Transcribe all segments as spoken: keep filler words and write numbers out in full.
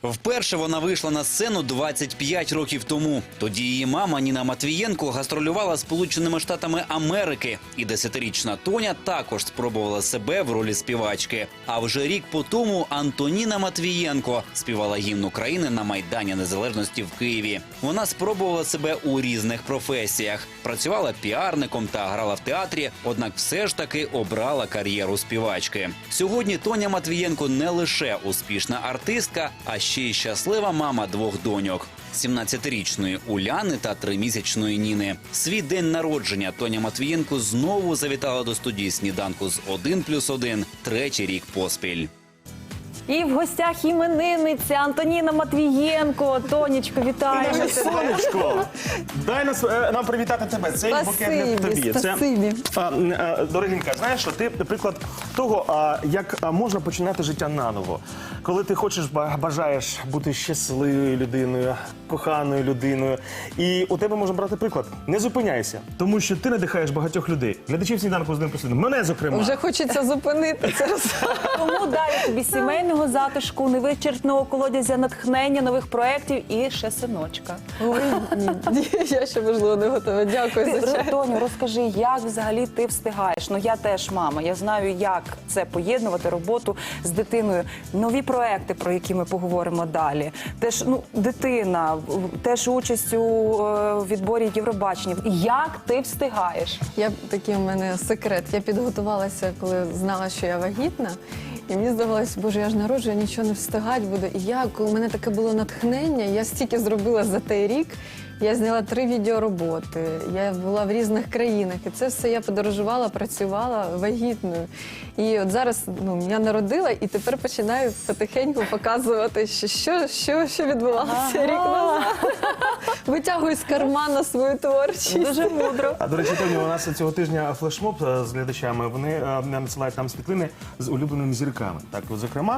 Вперше вона вийшла на сцену двадцять п'ять років тому. Тоді її мама Ніна Матвієнко гастролювала Сполученими Штатами Америки. І десятирічна Тоня також спробувала себе в ролі співачки. А вже рік по тому Антоніна Матвієнко співала гімн України на Майдані Незалежності в Києві. Вона спробувала себе у різних професіях. Працювала піарником та грала в театрі, однак все ж таки обрала кар'єру співачки. Сьогодні Тоня Матвієнко не лише успішна артистка, а ще й щаслива мама двох доньок – сімнадцятирічної Уляни та тримісячної Ніни. Свій день народження Тоня Матвієнко знову завітала до студії «Сніданку» з один плюс один третій рік поспіль. І в гостях іменинниця Антоніна Матвієнко. Тонечко, вітаємо тебе. Сонечко, дай нас, е, нам привітати тебе. Цей букет для тобі. Спасибі. Це, а, а, дорогенька, знаєш, що ти приклад того, а, як а, можна починати життя наново. Коли ти хочеш, бажаєш бути щасливою людиною, коханою людиною. І у тебе можна брати приклад. Не зупиняйся, тому що ти надихаєш багатьох людей. Глядачів «Сніданку» з ним послідом. Мене, зокрема. Вже хочеться зупинитися. Тому далі тобі сімейного затишку, невичерпного колодязя натхнення, нових проєктів і ще синочка. Ой, ні, я ще, можливо, не готова. Дякую Ти, за чай. Тоню, розкажи, як взагалі ти встигаєш? Ну, я теж мама, я знаю, як це поєднувати роботу з дитиною. Нові проекти, про які ми поговоримо далі. Теж, ну, дитина, теж участь у е, відборі Євробачення. Як ти встигаєш? Я такий у мене секрет. Я підготувалася, коли знала, що я вагітна. І мені здавалося, боже, я ж народжую, я нічого не встигати буду. І я, коли у мене таке було натхнення, я стільки зробила за той рік. Я зняла три відеороботи, я була в різних країнах. І це все я подорожувала, працювала вагітною. І от зараз ну, я народила і тепер починаю потихеньку показувати, що, що, що, що відбувалося ага. рік назад. Витягую з кармана свою творчість. Дуже мудро. А, до речі, Тоні, у нас цього тижня флешмоб з глядачами. Вони надсилають нам світлини з улюбленими зірками. Так, от, зокрема,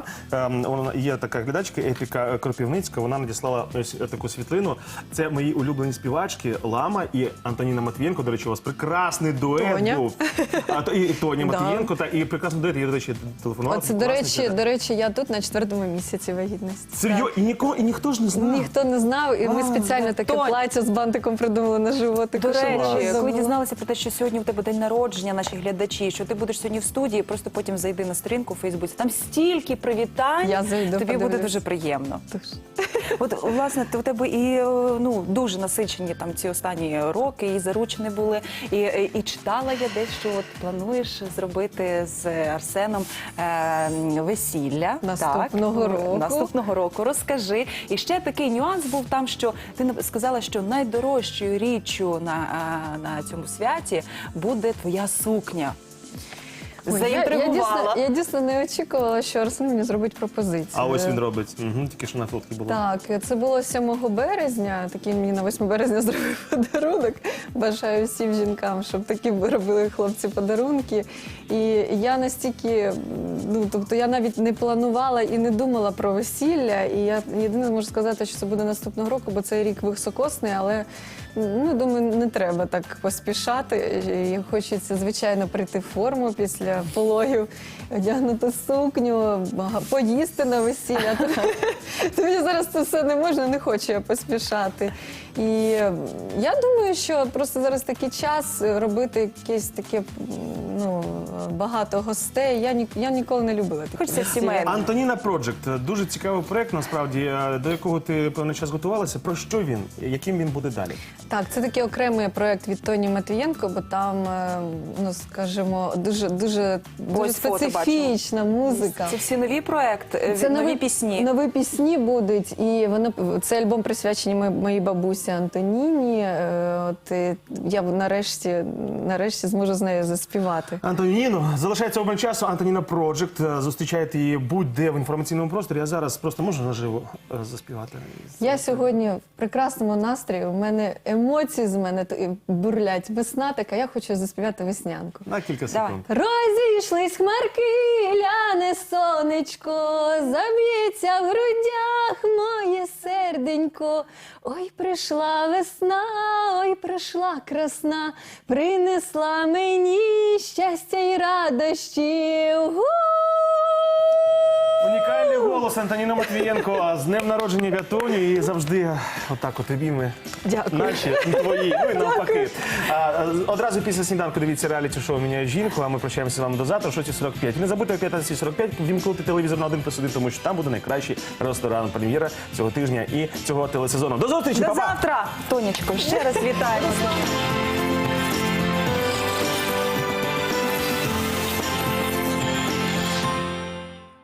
є така глядачка Епіка Кропівницька, вона надіслала ось таку світлину. Це мої улюблені співачки Лама і Антоніна Матвієнко. До речі, у вас прекрасний дует Тоня. був. А, то, і Тоня Да. Матвієнко, та, і прекрасний дует. Я, до речі, телефонувала. Оце, до речі, до речі, я тут на четвертому місяці вагітності. Серйозно? І, ніко, і ніхто ж не знав? Ніхто не знав, і ми спеціально таке Тонь. плаття з бантиком придумали на животику. До щоб речі, було. коли дізналися про те, що сьогодні в тебе день народження, наші глядачі, що ти будеш сьогодні в студії, просто потім зайди на сторінку у Фейсбуці. Там стільки привітань, Я зайду, тобі подивлюсь. буде дуже приємно. Тож. От, власне, у тебе і ну, дуже насичені там ці останні роки, і заручені були, і, і, і читала я десь, що от плануєш зробити з Арсеном е, весілля. Наступного так, року. Наступного року. Розкажи. І ще такий нюанс був там, що ти сказала, що найдорожчою річчю на, на цьому святі буде твоя сукня. Ой, я, я, Заінтригувала. дійсно, я дійсно не очікувала, що Арсен мені зробить пропозицію. А ось він робить. Угу, тільки що на фотці було. Так, це було сьомого березня, такий мені на восьме березня зробив подарунок. Бажаю всім жінкам, щоб такі робили хлопці подарунки. І я настільки, ну, тобто я навіть не планувала і не думала про весілля. І я єдине можу сказати, що це буде наступного року, бо цей рік високосний, але ну, думаю, не треба так поспішати. І хочеться, звичайно, прийти в форму після пологів, одягнути сукню, поїсти на весілля. То мені зараз це все не можна, не хочу я поспішати. І я думаю, що просто зараз такий час робити якесь таке, ну, багато гостей. Я, ні, я ніколи не любила таке. Хочеться сімейно. Антоніна Проджект. Дуже цікавий проект, насправді, до якого ти певний час готувалася. Про що він? Яким він буде далі? Так, це такий окремий проєкт від Тоні Матвієнко, бо там, ну, скажімо, дуже, дуже, дуже специфічна музика. Це всі нові проекти, Це нові, нові пісні. Нові пісні будуть, і воно, це альбом присвячений моїй, моїй бабусі Антоніні. От, і я нарешті, нарешті зможу з нею заспівати. Антоніно, залишається обмаль часу. Антоніна Проджект. Зустрічайте її будь-де в інформаційному просторі. Я зараз просто можу наживо заспівати. Я сьогодні в прекрасному настрої, у мене емоції з мене бурлять. Весна така, я хочу заспівати веснянку. На кілька Давай. секунд. Розійшлись хмарки, ляне сонечко, заб'ється в грудях моє серденько. Ой, прийшла весна, ой, прийшла красна, принесла мені щастя й радощі. Унікальний голос Антоніна Матвієнко. З днем народження Вятуню і завжди отак от обійми. Дякую. Наші і твої, ну і навпаки. А, одразу після сніданку дивіться реаліті-шоу «Міняю жінку», а ми прощаємося з вами до завтра о шостій сорок п'ять. Не забудьте о п'ятнадцятій сорок п'ять вімкнути телевізор на один плюс один, тому що там буде найкращий ресторан, прем'єра цього тижня і цього телесезону. До зустрічі, До па-па! завтра, Тонечко, ще раз вітаємо.